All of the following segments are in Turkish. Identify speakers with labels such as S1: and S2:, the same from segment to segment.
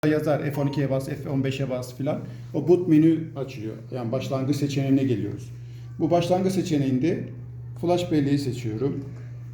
S1: yazar F12'ye bas, F15'e bas filan. O boot menü açıyor. Yani başlangıç seçeneğine geliyoruz. Bu başlangıç seçeneğinde flash belleği seçiyorum.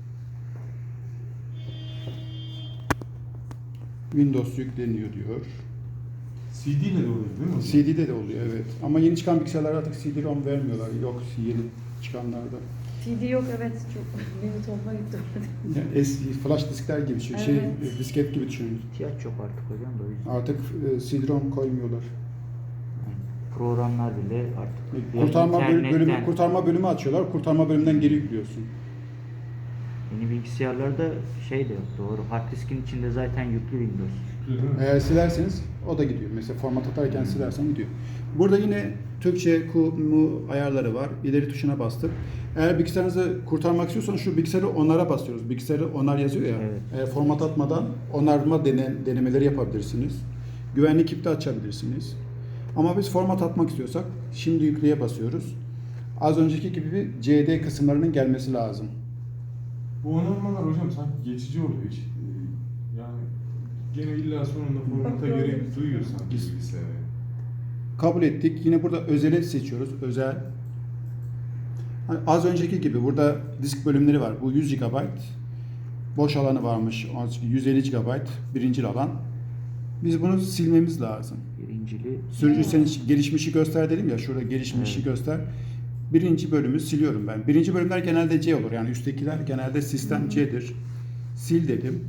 S1: Windows yükleniyor diyor.
S2: CD'yle de oluyor değil mi?
S1: CD'de de oluyor evet. Ama yeni çıkan bilgisayarlar artık CD-ROM vermiyorlar. Yok yeni çıkanlarda.
S3: CD yok evet çok beni tuhafıma gitti.
S1: Yani eski flash diskler gibi
S3: Evet.
S1: disket gibi düşünün.
S4: İhtiyaç yok artık hocam da o yüzden.
S1: Artık CD-ROM koymuyorlar.
S4: Programlar bile artık
S1: Kurtarma bölümü açıyorlar. Kurtarma bölümünden geri yüklüyorsun.
S4: Yeni bilgisayarlarda şey de yok doğru. Hard diskin içinde zaten yüklü Windows.
S2: Değil mi?
S1: Eğer silerseniz o da gidiyor. Mesela format atarken silersen gidiyor. Burada yine Türkçe mu ayarları var. İleri tuşuna bastık. Eğer bilgisayarınızı kurtarmak istiyorsanız şu bilgisayarı onara basıyoruz. Bilgisayarı onar yazıyor ya.
S4: Evet.
S1: Eğer format atmadan onarma denemeleri yapabilirsiniz. Güvenlik iptal açabilirsiniz. Ama biz format atmak istiyorsak şimdi yükleye basıyoruz. Az önceki gibi bir CD kısımlarının gelmesi lazım.
S2: Bu onarmalar hocam sanki geçici oluyor hiç. Yani gene illa sonunda formata gerek duyuyor sanki bilgisayar.
S1: Kabul ettik. Yine burada özeli seçiyoruz. Özel. Hani az önceki gibi burada disk bölümleri var. Bu 100 GB. Boş alanı varmış. 150 GB birincil alan. Biz bunu silmemiz lazım.
S4: Birincili
S1: Sürücü senin gelişmişi göster dedim ya. Şurada gelişmişi
S4: Evet.
S1: göster. Birinci bölümü siliyorum ben. Birinci bölümler genelde C olur. Yani üsttekiler genelde sistem C'dir. Sil dedim.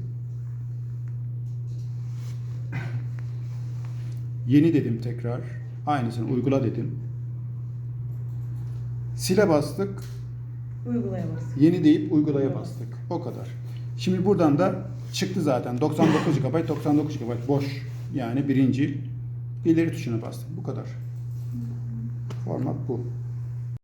S1: Yeni dedim tekrar. Aynısını uygula dedim. Sile bastık.
S3: Uygulaya bas.
S1: Yeni deyip uygulaya bastık. O kadar. Şimdi buradan da çıktı zaten. 99 GB, 99 GB boş. Yani birinci. İleri tuşuna bastık. Bu kadar. Format bu.